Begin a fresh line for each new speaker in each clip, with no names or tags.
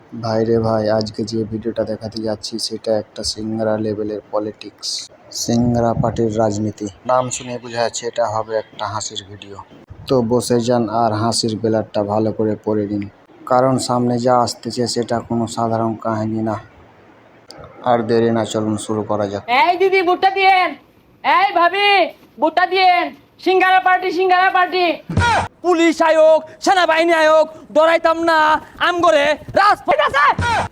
ভাইরে ভাই, আজকে যে ভিডিওটা দেখাতে যাচ্ছি সেটা একটা সিংড়া লেভেলের পলিটিক্স, সিংড়া পার্টির রাজনীতি। নাম শুনে বোঝা যাচ্ছে এটা হবে একটা হাসির ভিডিও। তো বসে যান আর হাসির বেলারটা ভালো করে পড়ে নিন, কারণ সামনে যা আসতেছে সেটা কোনো সাধারণ কাহিনী না। আর দেরি না, চলুন শুরু করা যাক।
এই দিদি ভুট্টা দিয়েন, এই ভাবি ভুট্টা দিয়েন। সিঙ্গারা পার্টি। পুলিশ আয়োগ, সেনাবাহিনী আয়োগ, ডরাইতাম না আম করে রাজপথ আছে।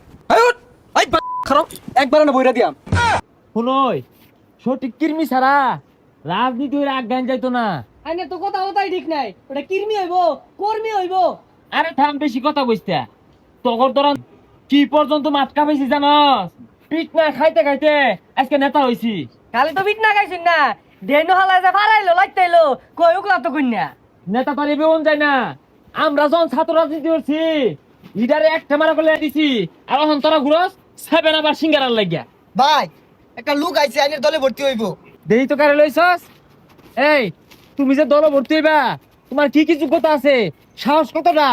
খারাপ একবার না বইরা দিয়াম।
শুনই, সঠিক কির্মি ছাড়া রাজনীতি হইলে আজ্ঞান যাইতো না।
আইনে তো কথা কথাই ঠিক নাই, ওটা কির্মি হইব কর্মী হইব।
আরে থাম, বেশি কথা কইস্তা। তখন তোরা কি পর্যন্ত মাতকা পেয়েছি জানস? পিট না খাইতে খাইতে আজকে নেতা হইছি।
খালি তো বিট না খাইছেন না, ডেনো হালায় যে ফারাইলো লাইতাইলো কই উকলা তো কইনা।
নেতা পারি বেউন যায় না। আমরা যখন ছাত্র রাজনীতি করছি লিডারে একটা মারা করে দিছি, আর এখন তোরা ঘুরস সেভেন আবার সিঙ্গারার লাগিয়া।
ভাই একটা লোক আইছে আইনের দলে ভর্তি হইব।
দেরি তো কারে লইছস? এই তুমি যে দল ভর্তি হইবা, তোমার কি কি যোগ্যতা আছে? সাহস কতটা?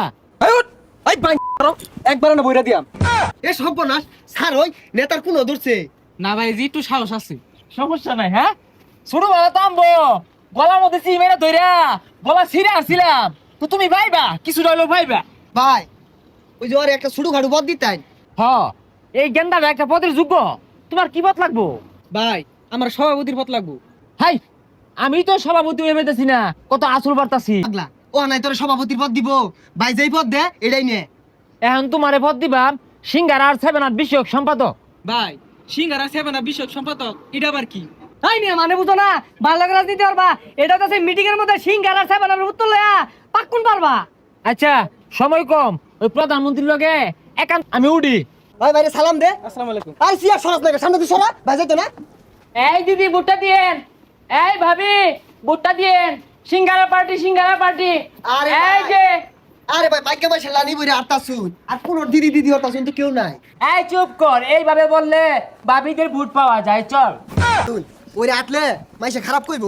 একবার না বইরা দিয়াম। এ সর্বনাশ স্যার ওই নেতার কোন ধরছে
না ভাই, জি একটু সাহস আছে, সমস্যা নাই। হ্যাঁ, ছোট বড় তামবো গলার মধ্যে চিমেরা ধইরা গলা ছিঁড়ে আসছিলাম, তো তুমি ভাইবা কিছু রইলো ভাইবা।
ভাই ওই যে ওর একটা ছোট খাটু পদ দিতেন।
হ, এই গেন্দাটা একটা পদের যোগ্য। তোমার কি পদ লাগবো?
ভাই আমার সভাপতির পদ লাগবো।
হাই, আমি তো সভাপতি হয়ে পেতেছি না, কত আসল বার্তাছি।
পাগলা ও নাই তোর সভাপতির পদ দিব। ভাই যেই পদ দে এটাই নে।
এখন তোমারে পদ দিবাম সিঙ্গারা আর সেভেন আট বিষয়ক সম্পাদক।
ভাই সিঙ্গারা সেভেনা বিষয়ক সম্পাদক এটা আবার কি?
তাই নিয়ে মানে বুঝো না, ভালো রাজনীতি পারবা। এটা তো সেই মিটিং এর মধ্যে সিংহার আর সেভেনের উত্তর লয়া পাক্কুন পারবা।
আচ্ছা, সময় কম, ওই প্রধানমন্ত্রীর লগে একান্ত আমি উডি।
ভাই ভাইরে সালাম দে।
আসসালামু আলাইকুম।
আর সিয়া সরাস না সামনে তুই সরা ভাই যাইতো না।
এই দিদি ভুট্টা দিয়েন, এই ভাবি ভুট্টা দিয়েন। সিঙ্গারা পার্টি।
আরে
এই
ভাই।
যে,
আরে ভাই বাইকে বসে লানি বইরে আটটা শুন আর কোন দিদি দিদি হতা শুন তো কেউ নাই।
এই চুপ কর, এইভাবে বললে ভাবিদের ভোট পাওয়া যায়। চল
শুন ওরে আটলে মাইসে খারাপ কইবো।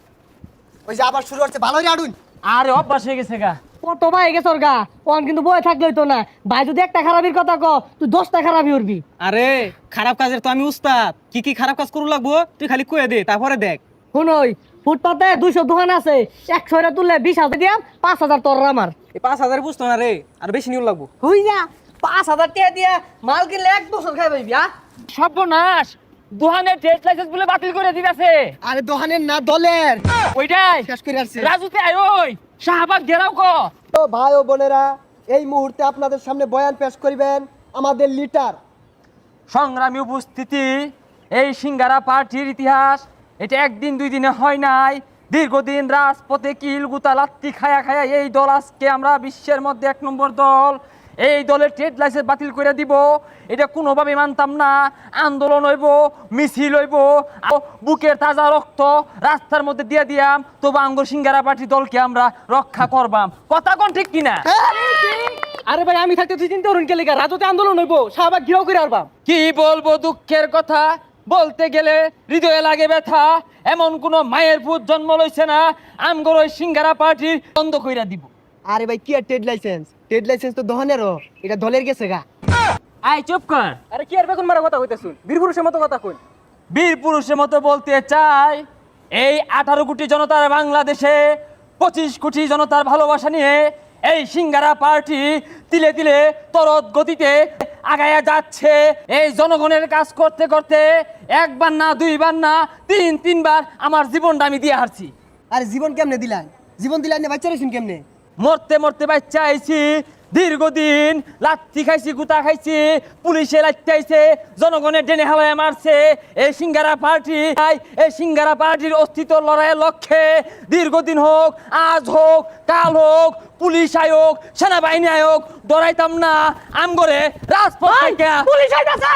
ওই যে আবার শুরু হচ্ছে ভালোই আডুন।
আরে অভ্যাস হয়ে গেছে গা।
কত ভাই গেছে ওর গা কোন কিন্তু বয়ে থাকলে হইতো না। ভাই যদি একটা খারাপির কথা ক তুই 10টা খারাপই উঠবি।
আরে খারাপ কাজের তো আমি উস্তাদ, কি কি খারাপ কাজ করু লাগবো তুই খালি কয়ে দে, তারপরে দেখ।
শুনই ফুটপাতে 200 দোকান আছে, 100 তুললে 20,000 দিয়াম, 5,000 তোর আমার।
এই 5,000 বুঝতো না রে, আর বেশি নিউ লাগবো।
হই যা 5,000 টাকা দিয়া মাল কিনলে 1 বছর খাই পাইবি।
সর্বনাশ, দোকানের ট্রেড লাইসেন্স বলে বাতিল করে দিতেছে।
আরে দোকানের না দলের
ওইটাই
শেষ করে আসছে।
রাজুতে আয়, ওই শাহবাগ ঘেরাও কর।
তো ভাই ও বোনেরা, এই মুহূর্তে আপনাদের সামনে বয়ান পেশ করিবেন আমাদের লিডার।
সংগ্রামী উপস্থিতি, এই সিঙ্গারা পার্টির ইতিহাস এটা একদিন দুই দিনে হয় নাই। দীর্ঘদিন রাজপথে কিল গুতা লাত্তি খায়া খায়া এই দল আজকে আমরা বিশ্বের মধ্যে 1 নম্বর দল। এই দলের ট্রেড লাইসেন্স বাতিল করে দিব, এটা কোনোভাবে মানতাম না। আন্দোলন হইব, মিছিল হইব, বুকের তাজা রক্ত রাস্তার মধ্যে দিয়ে দিয়াম, তবু আঙ্গুর সিঙ্গারা পার্টি দলকে আমরা রক্ষা করবাম। কথা কোন ঠিক কিনা?
আরে ভাই আমি থাকতে তুই চিন্তা করুন কে লেগা রাজতে আন্দোলন হইবো, শাহবাগ ঘিরাও করে আরবাম।
কি বলবো দুঃখের কথা, বলতে গেলে হৃদয়ে লাগে ব্যথা। এমন কোন মায়ের পুত জন্ম লইছে না আমগর ওই সিঙ্গারা পার্টি বন্ধ কইরা দিব।
আরে ভাই কি আর ট্রেড লাইসেন্স? ট্রেড লাইসেন্স তো দোকানেরও, এটা দলের গেছে গা।
আই চুপ কর।
আরে কি আর বেগুন মারা কথা কইতেছুন, বীর পুরুষের মতো কথা কই।
বীর পুরুষের মতো বলতে চাই, এই 18 কোটি জনতার বাংলাদেশে 25 কোটি জনতার ভালোবাসা নিয়ে এই সিঙ্গারা পার্টি তিলে তিলে তরত গতিতে আগায়া যাচ্ছে। এই জনগণের কাজ করতে করতে একবার না দুইবার না তিনবার আমার জীবনটা আমি দিয়ে হারছি।
আরে জীবন কেমনে দিলেন? জীবন দিলেন না বাচ্চা রেছেন কেমনে?
মরতে মরতে বাচ্চা আইছি, দীর্ঘদিন লাত্তি খাইছি, গুতা খাইছি, পুলিশে লাত্তি আইছে, জনগণের ডেনে হাওয়ায় মারছে। এই সিঙ্গারা পার্টি, এই সিঙ্গারা পার্টির অস্তিত্ব লড়াইয়ের লক্ষ্যে দীর্ঘদিন হোক, আজ হোক, কাল হোক, পুলিশ আয়োগ, সেনাবাহিনী আয়োগ, ডরাইতাম না আমগরে রাজপথ থেকে। পুলিশ আইতাছে।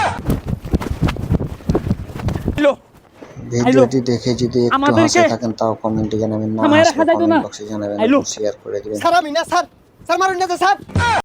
ভিডিওটি দেখে যদি একটু
আমাদেরকে
হাসে থাকেন তাও কমেন্টে জানাবেন, না
আমার
হাসলে
রাখা যাইতো
কমেন্ট
না।
বক্সে জানাবেন,
আইলো।
শেয়ার করে দিবেন।
স্যার আমি না স্যার, স্যার মারুন না স্যার।